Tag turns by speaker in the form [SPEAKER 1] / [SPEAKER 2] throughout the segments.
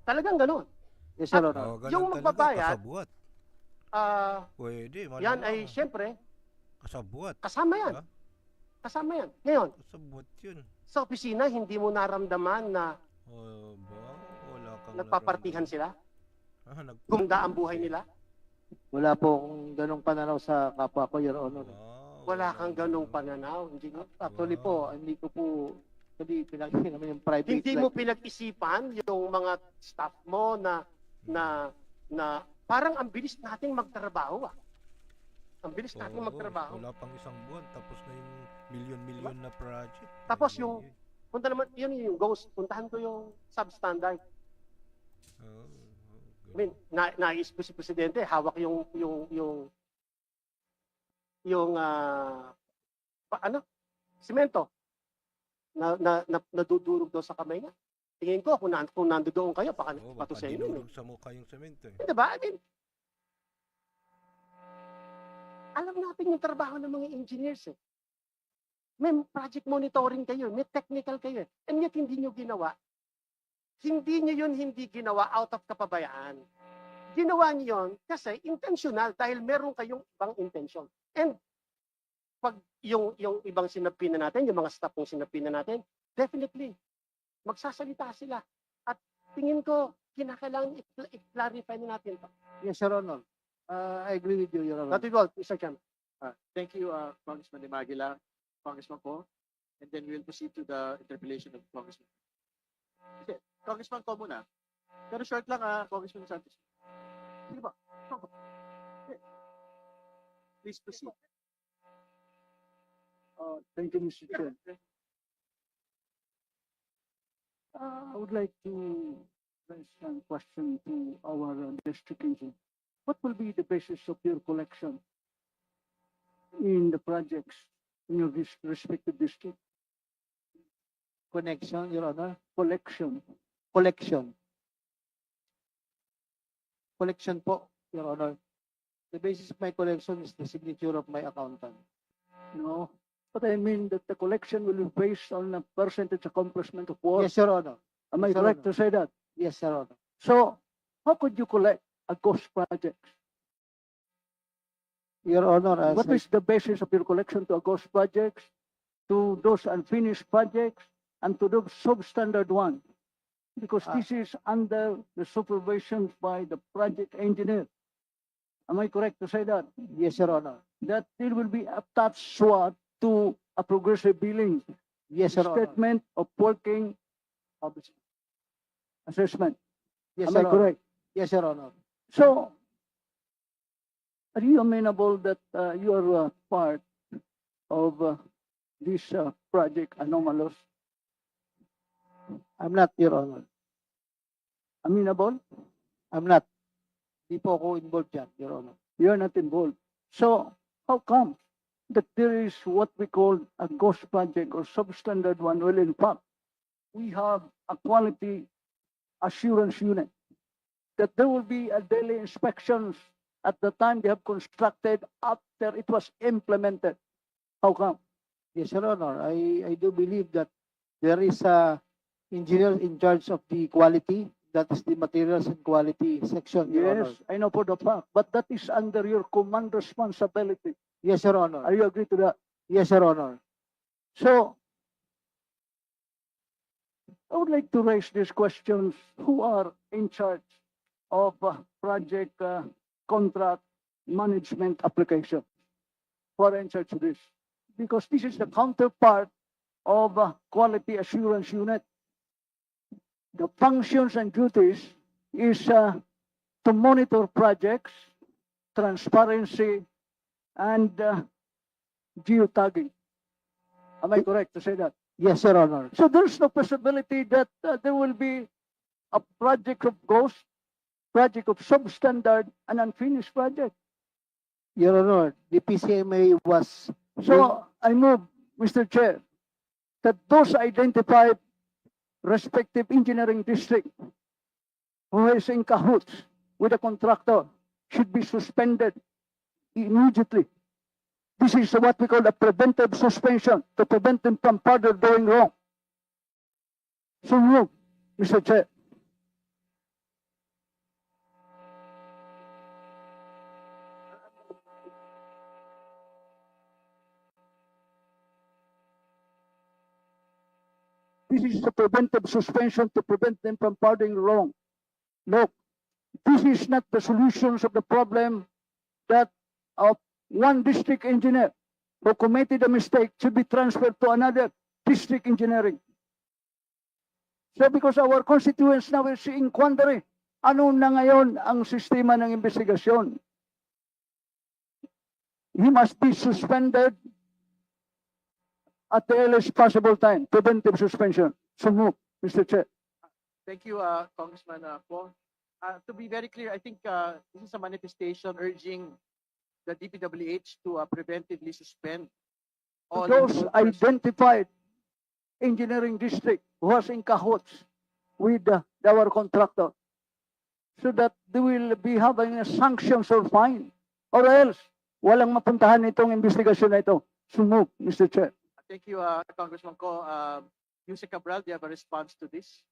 [SPEAKER 1] Talagang ganun.
[SPEAKER 2] Yes, Your
[SPEAKER 1] At
[SPEAKER 2] Honor.
[SPEAKER 3] ganun
[SPEAKER 1] yung
[SPEAKER 3] talaga,
[SPEAKER 1] magbabayad,
[SPEAKER 3] kasabwat.
[SPEAKER 1] yan
[SPEAKER 3] Pwede,
[SPEAKER 1] ay
[SPEAKER 3] malamang.
[SPEAKER 1] siyempre,
[SPEAKER 3] Kasabwat.
[SPEAKER 1] kasama yan.
[SPEAKER 3] Ha?
[SPEAKER 1] Kasama yan. Ngayon,
[SPEAKER 3] Kasabwat yun.
[SPEAKER 1] sa opisina, hindi mo naramdaman na
[SPEAKER 3] Ba? Wala kang
[SPEAKER 1] nagpapartihan sila?
[SPEAKER 3] naramdaman.
[SPEAKER 1] Gumanda ang buhay nila?
[SPEAKER 2] Wala po akong ganong pananaw sa kapwa ko, Your Honor.
[SPEAKER 1] Wala kang ganong pananaw. Hindi mo,
[SPEAKER 2] Actually po, hindi ko po, hindi pinag-isin naman yung private
[SPEAKER 1] hindi
[SPEAKER 2] life.
[SPEAKER 1] mo pinag-isipan yung mga staff mo na parang ang bilis nating magtrabaho. Ang bilis nating magtrabaho.
[SPEAKER 3] Wala pang isang buwan, tapos na yung milyon-milyon na project.
[SPEAKER 1] Tapos yung, punta naman, yun yung ghost, puntahan ko yung substandard. I mean, nais ko si Presidente, hawak yung simento na nadudurog daw sa kamay niya. Tingin ko, kung nandoon kayo, baka patusin yun.
[SPEAKER 3] Dinurog sa mukha yung semento.
[SPEAKER 1] Diba? I mean, alam natin yung trabaho ng mga engineers eh. May project monitoring kayo, may technical kayo. And yet hindi nyo ginawa. Hindi nyo yun hindi ginawa out of kapabayaan. Ginawa nyo yun kasi intentional dahil meron kayong ibang intention. And pag yung ibang sinapin na natin, yung mga staff kong sinapin na natin, definitely, magsasalita sila. At tingin ko, kinakailangan i-clarify na natin ito.
[SPEAKER 2] Yes, Your Honor. I agree with you, Your Honor.
[SPEAKER 1] That is all, Mr. Chairman.
[SPEAKER 4] Thank you, Congressman De Maguila, Congressman Ko, and then we'll proceed to the interpellation of Congressman. Okay, Congressman Ko muna. Pero short lang, Congressman Santos. Sige ba? Okay. Please proceed.
[SPEAKER 5] Thank you, Mr. Chair. I would like to raise a question to our district engineer. What will be the basis of your collection in the projects in your respective district?
[SPEAKER 2] Connection, Your Honor.
[SPEAKER 5] Collection.
[SPEAKER 2] Collection. Collection po, Your Honor. The basis of my collection is the signature of my accountant.
[SPEAKER 5] No, but I mean that the collection will be based on a percentage accomplishment of work.
[SPEAKER 2] Yes, Your Honor.
[SPEAKER 5] Am I
[SPEAKER 2] Yes, Your
[SPEAKER 5] correct
[SPEAKER 2] Honor.
[SPEAKER 5] to say that?
[SPEAKER 2] Yes, Your Honor.
[SPEAKER 5] So, how could you collect a ghost project?
[SPEAKER 2] Your Honor, as
[SPEAKER 5] What is the basis of your collection to a ghost projects, to those unfinished projects, and to those substandard ones? Because this is under the supervision by the project engineer. Am I correct to say that?
[SPEAKER 2] yes, Your Honor.
[SPEAKER 5] That there will be attached SWOT to a progressive billing
[SPEAKER 2] Yes, Your Honor.
[SPEAKER 5] statement of working assessment.
[SPEAKER 2] Yes,
[SPEAKER 5] Am I
[SPEAKER 2] Your Honor.
[SPEAKER 5] correct?
[SPEAKER 2] Yes, Your Honor.
[SPEAKER 5] So, are you amenable that you are part of this project anomalous?
[SPEAKER 2] I'm not, Your Honor.
[SPEAKER 5] Amenable?
[SPEAKER 2] I'm not. Di po ako involved dyan, Your Honor.
[SPEAKER 5] You are not involved. So, how come that there is what we call a ghost project or substandard one? Well, in fact, we have a quality assurance unit that there will be a daily inspections at the time they have constructed after it was implemented. How come?
[SPEAKER 2] Yes, Your Honor. I do believe that there is a engineer in charge of the quality. That is the materials and quality section, Your Honor.
[SPEAKER 5] Yes, I know for the fact, but that is under your command responsibility.
[SPEAKER 2] Yes, Your Honor.
[SPEAKER 5] Are you agree to that?
[SPEAKER 2] Yes, Your Honor.
[SPEAKER 5] So, I would like to raise these questions. Who are in charge of project contract management application? Who are in charge of this? Because this is the counterpart of quality assurance unit. The functions and duties is to monitor projects, transparency, and geotagging. Am I correct to say that?
[SPEAKER 2] Yes, Your Honor.
[SPEAKER 5] So there's no possibility that there will be a project of ghost, project of substandard, and unfinished project.
[SPEAKER 2] Your Honor, the PCMA was...
[SPEAKER 5] So I move, Mr. Chair, that those identified respective engineering district who is in cahoots with a contractor should be suspended immediately. This is what we call a preventive suspension to prevent them from further doing wrong. So move, Mr. Chair. this is a preventive suspension to prevent them from pardoning wrong. Look, this is not the solutions of the problem that one district engineer who committed a mistake should be transferred to another district engineering. So because our constituents now is in quandary, ano na ngayon ang sistema ng investigasyon? He must be suspended at the earliest possible time. Preventive suspension. So move, Mr. Chair.
[SPEAKER 4] Thank you, Congressman Ko. To be very clear, I think this is a manifestation urging the DPWH to preventively suspend all
[SPEAKER 5] Those
[SPEAKER 4] persons.
[SPEAKER 5] identified engineering district who was in cahoots with our contractor, so that they will be having a sanctions or fine, or else walang mapuntahan itong investigasyon na ito. So move, Mr. Chair.
[SPEAKER 4] Thank you, Congressman Ko. Yusek Cabral, do you have a response to this?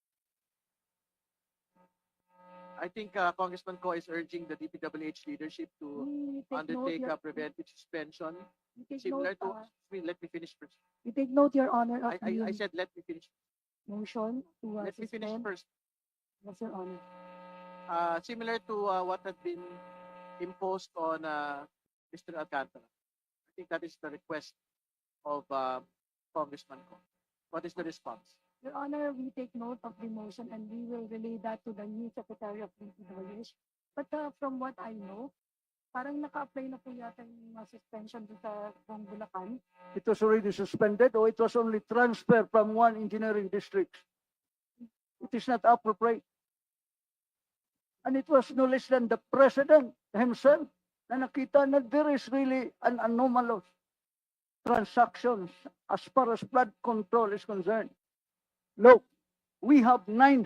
[SPEAKER 4] I think Congressman Ko is urging the DPWH leadership to undertake a preventive suspension similar to. Let me finish first.
[SPEAKER 6] We take note, Your Honor, of
[SPEAKER 4] I
[SPEAKER 6] the
[SPEAKER 4] said let me finish.
[SPEAKER 6] motion to
[SPEAKER 4] Let me finish
[SPEAKER 6] suspend.
[SPEAKER 4] first.
[SPEAKER 6] Yes, Your Honor.
[SPEAKER 4] Similar to what had been imposed on Mr. Alcantara. I think that is the request of Congressman Ko. What is the response?
[SPEAKER 6] Your Honor, we take note of the motion and we will relay that to the new Secretary of DPWH. But from what I know, parang naka-apply na po yata yung suspension dun sa buong Bulacan.
[SPEAKER 5] It was already suspended or it was only transferred from one engineering district. It is not appropriate. And it was no less than the president himself na nakita na there is really an anomalous transactions as far as flood control is concerned. Look, we have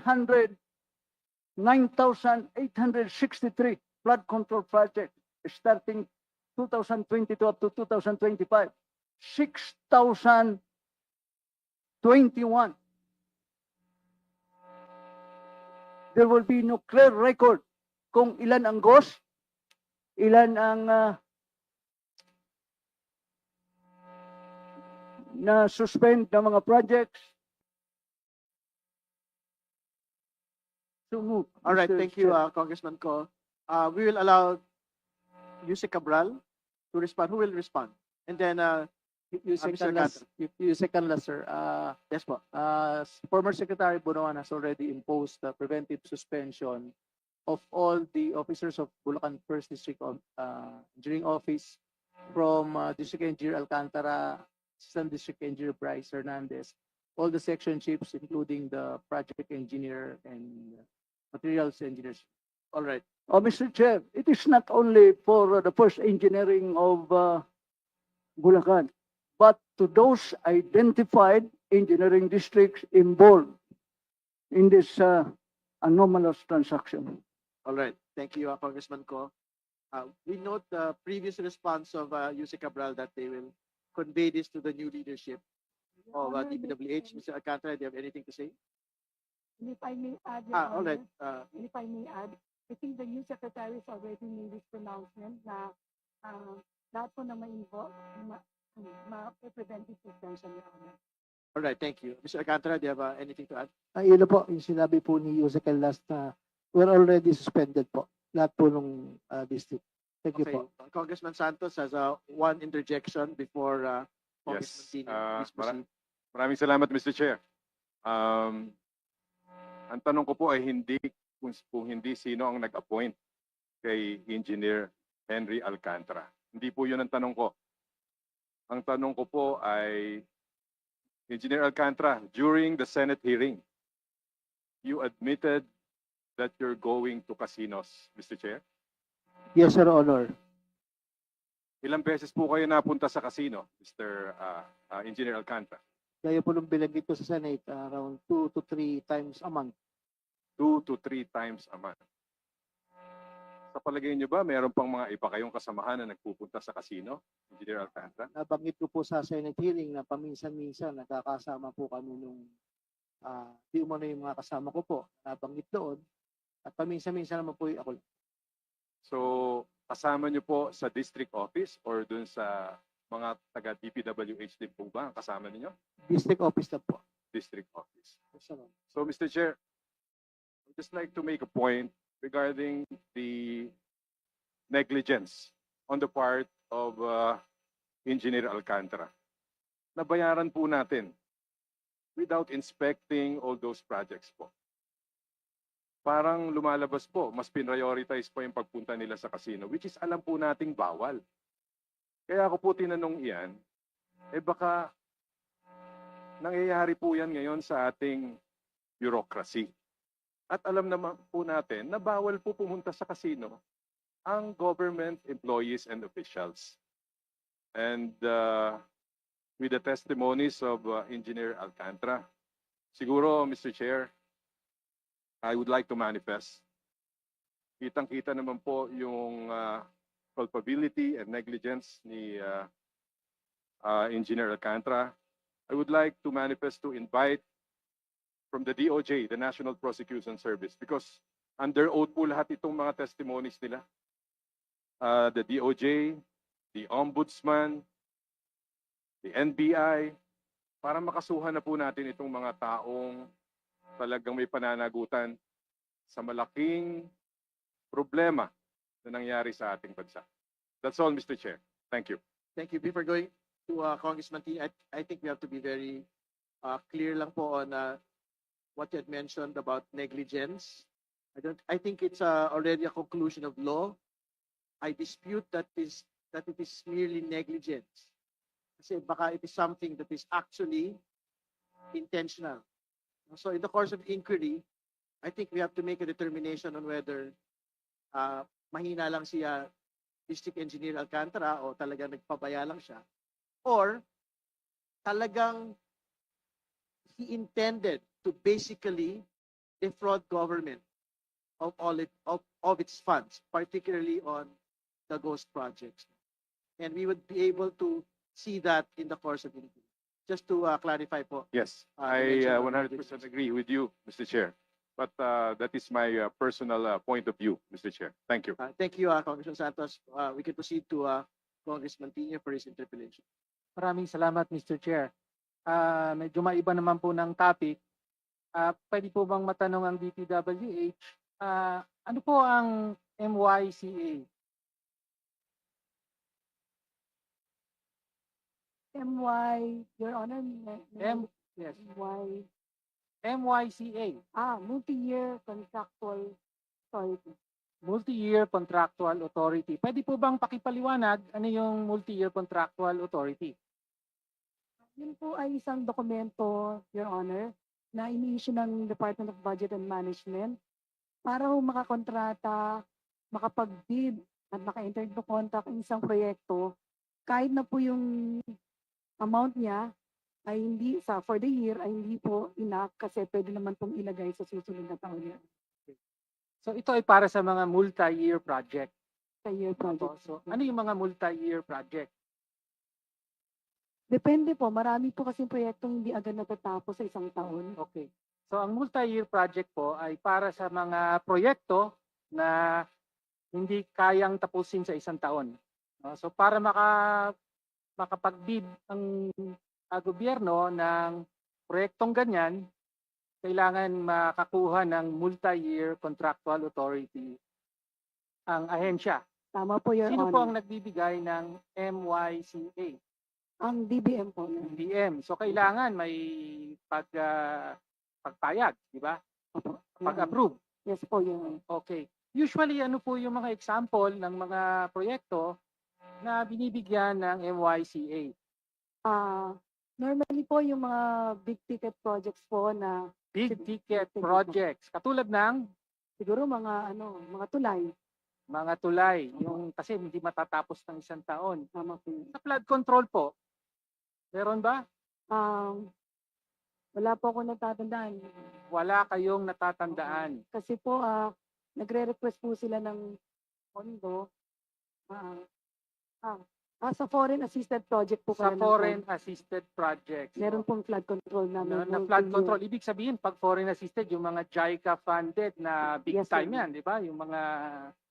[SPEAKER 5] 9,863 flood control projects starting 2022 up to 2025. 6,021. There will be no clear record kung ilan ang ghost, ilan ang na-suspend ng mga projects. So move.
[SPEAKER 4] All right,
[SPEAKER 5] Mr.
[SPEAKER 4] thank you,
[SPEAKER 5] Chair.
[SPEAKER 4] Congressman Ko. We will allow Yusek Cabral to respond. Who will respond? And then,
[SPEAKER 2] You
[SPEAKER 4] Mr.
[SPEAKER 2] second last, you second last, sir.
[SPEAKER 4] yes po.
[SPEAKER 2] Former Secretary Bonoan has already imposed the preventive suspension of all the officers of Bulacan First District Engineering Office, from District Engineer Alcantara, Assistant District Engineer Bryce Hernandez, all the section chiefs, including the project engineer and materials engineers.
[SPEAKER 4] All right.
[SPEAKER 5] Oh, Mr. Chair, it is not only for the first engineering of Bulacan, but to those identified engineering districts involved in this anomalous transaction.
[SPEAKER 4] All right. Thank you, Congressman Ko. We note the previous response of Yusek Cabral that they will convey this to the new leadership
[SPEAKER 6] Your
[SPEAKER 4] of
[SPEAKER 6] Honor,
[SPEAKER 4] DPWH. Mr. Alcantara, do you have anything to say?
[SPEAKER 6] and if I may add, Your
[SPEAKER 4] All right.
[SPEAKER 6] Honor, and if I may add, I think the new secretary has already made this pronouncement na lahat po na ma-involve, ma-preventive suspension, Your Honor.
[SPEAKER 4] All right. Thank you. Mr. Alcantara, do you have anything to add?
[SPEAKER 2] Yun na po, yung sinabi po ni Yusek last na we're already suspended po. Lahat po nung district. Thank you
[SPEAKER 4] Okay.
[SPEAKER 2] po.
[SPEAKER 4] Congressman Santos has one interjection before Congressman
[SPEAKER 7] Yes.
[SPEAKER 4] Tino. Please proceed.
[SPEAKER 7] Maraming salamat, Mr. Chair. Ang tanong ko po ay kung hindi sino ang nag-appoint kay Engineer Henry Alcantara. Hindi po yun ang tanong ko. Ang tanong ko po ay, Engineer Alcantara, during the Senate hearing, you admitted that you're going to casinos, Mr. Chair.
[SPEAKER 2] Yes, Sir Honor.
[SPEAKER 7] Ilang beses po kayo napunta sa casino, Mr. Engineer Alcantara?
[SPEAKER 2] Kaya po nung binanggit ko sa Senate, around 2 to 3 times a month.
[SPEAKER 7] 2 to 3 times a month. Sa palagay niyo ba, meron pang mga iba kayong kasamahan na nagpupunta sa casino, Engineer Alcantara?
[SPEAKER 2] Nabanggit ko po sa Senate hearing na paminsan-minsan nagkakasama po kami nung di umano yung mga kasama ko po. Nabanggit doon. At paminsan-minsan naman po ako.
[SPEAKER 7] So, kasama niyo po sa district office or dun sa mga taga DPWH din po ba ang kasama niyo?
[SPEAKER 2] District office na po.
[SPEAKER 7] district office. So, Mr. Chair, I'd just like to make a point regarding the negligence on the part of Engineer Alcantara. Nabayaran po natin without inspecting all those projects po. Parang lumalabas po, mas prioritize po yung pagpunta nila sa casino, which is alam po nating bawal. Kaya ako po tinanong iyan, baka nangyayari po yan ngayon sa ating bureaucracy. At alam naman po natin na bawal po pumunta sa casino ang government employees and officials. And with the testimonies of Engineer Alcantara, siguro, Mr. Chair, I would like to manifest. Kitang-kita naman po yung culpability and negligence ni Engineer Alcantara. I would like to manifest to invite from the DOJ, the National Prosecution Service, because under oath po lahat itong mga testimonies nila. The DOJ, the Ombudsman, the NBI, para makasuhan na po natin itong mga taong talagang may pananagutan sa malaking problema na nangyari sa ating bansa. That's all, Mr. Chair. Thank you.
[SPEAKER 4] Thank you. Before going to Congressman T, I think we have to be very clear lang po on what you had mentioned about negligence. I think it's already a conclusion of law. I dispute that it is merely negligence. Kasi baka it is something that is actually intentional. So in the course of inquiry, I think we have to make a determination on whether mahina lang siya District Engineer Alcantara o talagang nagpabaya lang siya, or talagang he intended to basically defraud government of of its funds, particularly on the ghost projects. And we would be able to see that in the course of inquiry. Just to clarify po.
[SPEAKER 7] Yes, I 100% agree with you, Mr. Chair. But that is my personal point of view, Mr. Chair. Thank you.
[SPEAKER 4] Thank you, Congressman Santos. We can proceed to Congressman Tino for his interpellation.
[SPEAKER 2] Maraming salamat, Mr. Chair. Medyo maiba naman po ng topic. Pwede po bang matanong ang DPWH, ano po ang MYCA?
[SPEAKER 6] Your Honor,
[SPEAKER 2] Yes,
[SPEAKER 6] MY,
[SPEAKER 2] MYCA,
[SPEAKER 6] Multi-Year Contractual Authority.
[SPEAKER 2] Multi-Year Contractual Authority. Pwede po bang pakipaliwanag ano yung Multi-Year Contractual Authority?
[SPEAKER 6] Yun po ay isang dokumento, Your Honor, na ini-issue ng Department of Budget and Management para ho makakontrata, makapag-bid at maka-enter into contract ng isang proyekto kahit na po yung amount niya ay hindi for the year ay hindi po enough kasi pwede naman pong ilagay sa susunod na taon yan
[SPEAKER 2] So ito ay para sa mga multi-year project.
[SPEAKER 6] sa year project.
[SPEAKER 2] So ano yung mga multi-year project?
[SPEAKER 6] Depende po, marami po kasing proyektong hindi agad natatapos sa isang taon.
[SPEAKER 2] Okay. So ang multi-year project po ay para sa mga proyekto na hindi kayang tapusin sa isang taon. So para makapag-bid ang gobyerno ng proyektong ganyan, kailangan makakuha ng multi-year contractual authority ang ahensya.
[SPEAKER 6] Tama po, Your
[SPEAKER 2] Sino po ang
[SPEAKER 6] Honor.
[SPEAKER 2] nagbibigay ng MYCA?
[SPEAKER 6] Ang DBM po. Your Honor.
[SPEAKER 2] DBM. So kailangan may pagpayag, di ba?
[SPEAKER 6] Opo, Your Honor.
[SPEAKER 2] Pag-approve.
[SPEAKER 6] Yes po, Your Honor.
[SPEAKER 2] Okay. Usually ano po yung mga example ng mga proyekto na binibigyan ng MYCA?
[SPEAKER 6] Normally po yung mga big ticket projects po na
[SPEAKER 2] Big ticket projects. Katulad ng
[SPEAKER 6] siguro mga tulay.
[SPEAKER 2] mga tulay, yung kasi hindi matatapos ng isang taon.
[SPEAKER 6] Tama po. Yun.
[SPEAKER 2] Sa flood control po, meron ba?
[SPEAKER 6] Wala po ako natatandaan.
[SPEAKER 2] Wala kayong natatandaan.
[SPEAKER 6] Kasi po, nagre-request po sila ng pondo. Sa foreign assisted project po
[SPEAKER 2] Sa
[SPEAKER 6] pala ng
[SPEAKER 2] foreign
[SPEAKER 6] pondo.
[SPEAKER 2] assisted projects.
[SPEAKER 6] Meron pong flood control namin.
[SPEAKER 2] na flood control. Ibig sabihin, pag foreign assisted, yung mga JICA funded na big
[SPEAKER 6] Yes, sir.
[SPEAKER 2] time yan, di ba? Yung mga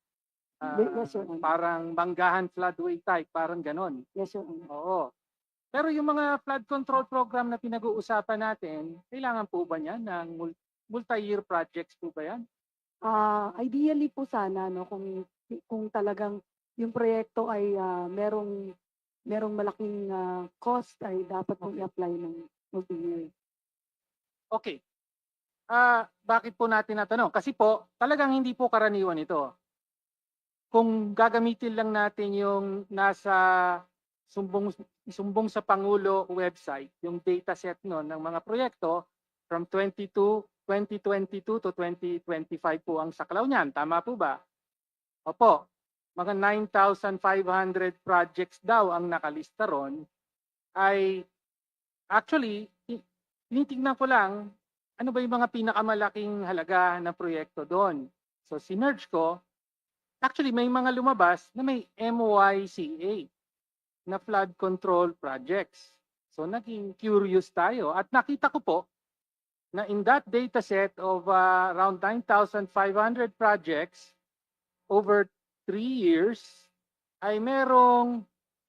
[SPEAKER 6] Yes, sir.
[SPEAKER 2] parang Manggahan floodway type, parang ganon.
[SPEAKER 6] Yes, sir.
[SPEAKER 2] Oo. Pero yung mga flood control program na pinag-uusapan natin, kailangan po ba niyan ng multi-year projects po ba yan?
[SPEAKER 6] Ideally po sana, no, kung talagang yung proyekto ay merong malaking cost, ay dapat pong i-apply ng multi-year.
[SPEAKER 2] Okay. Bakit po natin natanong? Kasi po, talagang hindi po karaniwan ito. Kung gagamitin lang natin yung nasa sumbong sa Pangulo website, yung dataset no, ng mga proyekto from 2022 to 2025 po ang saklaw niyan. Tama po ba? Opo. Mga 9,500 projects daw ang nakalista ron. Ay actually, tinitingnan ko lang ano ba yung mga pinakamalaking halaga na proyekto doon. So sinerge ko, actually may mga lumabas na may MYCA na flood control projects. So naging curious tayo at nakita ko po na in that data set of around 9,500 projects over 3 years ay merong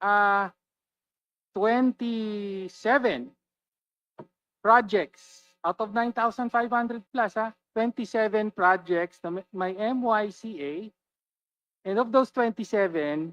[SPEAKER 2] 27 projects out of 9,500 plus, 27 projects na may MYCA, and of those 27,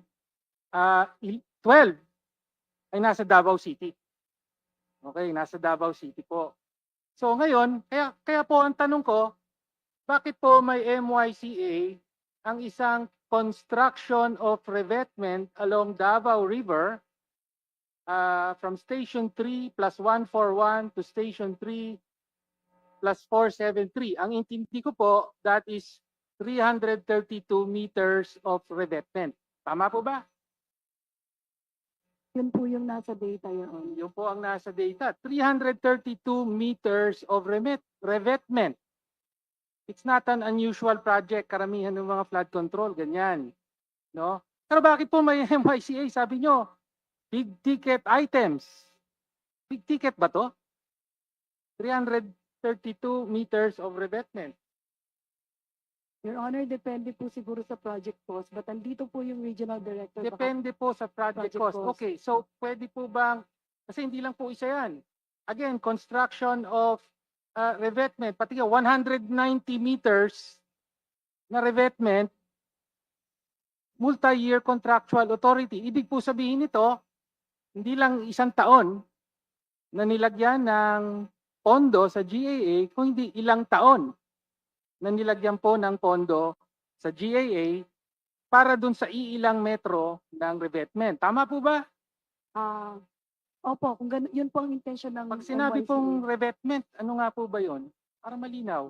[SPEAKER 2] 12 ay nasa Davao City. Okay, nasa Davao City po. So ngayon, kaya po ang tanong ko, bakit po may MYCA ang isang construction of revetment along Davao River from Station 3 plus 141 to Station 3 plus 473. Ang intindi ko po, that is 332 meters of revetment. Tama po ba?
[SPEAKER 6] Yun po yung nasa data yun.
[SPEAKER 2] Yun po ang nasa data. 332 meters of revetment. It's not an unusual project. Karamihan ng mga flood control, ganyan. No? Pero bakit po may MYCA? Sabi nyo, big ticket items. Big ticket ba to? 332 meters of revetment.
[SPEAKER 6] Your Honor, depende po siguro sa project cost, but andito po yung regional director.
[SPEAKER 2] Depende po sa project cost. Okay, so pwede po bang, kasi hindi lang po isa yan. Again, construction of revetment, pati 190 meters na revetment, multi-year contractual authority. Ibig po sabihin nito, hindi lang isang taon na nilagyan ng pondo sa GAA, kung hindi ilang taon na nilagyan po ng pondo sa GAA para dun sa iilang metro ng revetment. Tama po ba?
[SPEAKER 6] Opo, kung yun po ang intention ng
[SPEAKER 2] Pag sinabi
[SPEAKER 6] MYCA.
[SPEAKER 2] pong revetment, ano nga po ba yun? Para malinaw.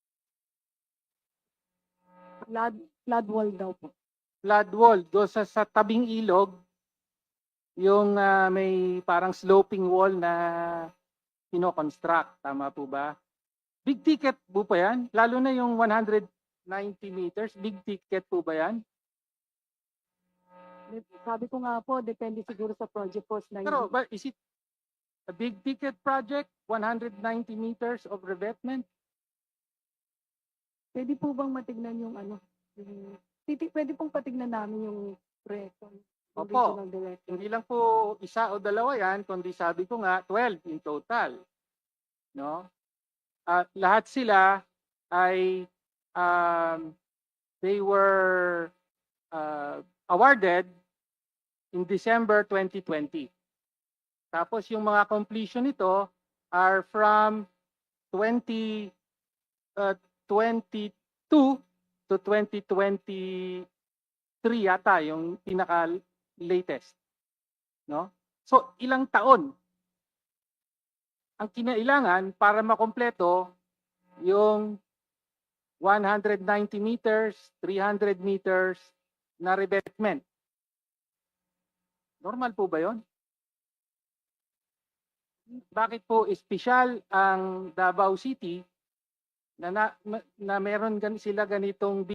[SPEAKER 6] Flood wall daw po.
[SPEAKER 2] Flood wall, do sa tabing ilog, yung may parang sloping wall na kino-construct. Tama po ba? Big ticket po ba yan? Lalo na yung 190 meters, big ticket po ba yan?
[SPEAKER 6] Sabi ko nga po, depende siguro sa project cost na
[SPEAKER 2] Pero
[SPEAKER 6] yun.
[SPEAKER 2] is it a big ticket project, 190 meters of revetment?
[SPEAKER 6] Pwede po bang matignan yung pwede pong patignan namin yung proyekto ng
[SPEAKER 2] Opo.
[SPEAKER 6] regional director.
[SPEAKER 2] Hindi lang po isa o dalawa yan, kundi sabi ko nga 12 in total. No? Lahat sila ay they were awarded in December 2020. Tapos yung mga completion nito are from 2022 to 2023 yata yung pinaka latest. No? So ilang taon ang kinailangan para makompleto yung 190 meters, 300 meters na revetment. Normal po ba yun? Bakit po espesyal ang Davao City na meron sila ganitong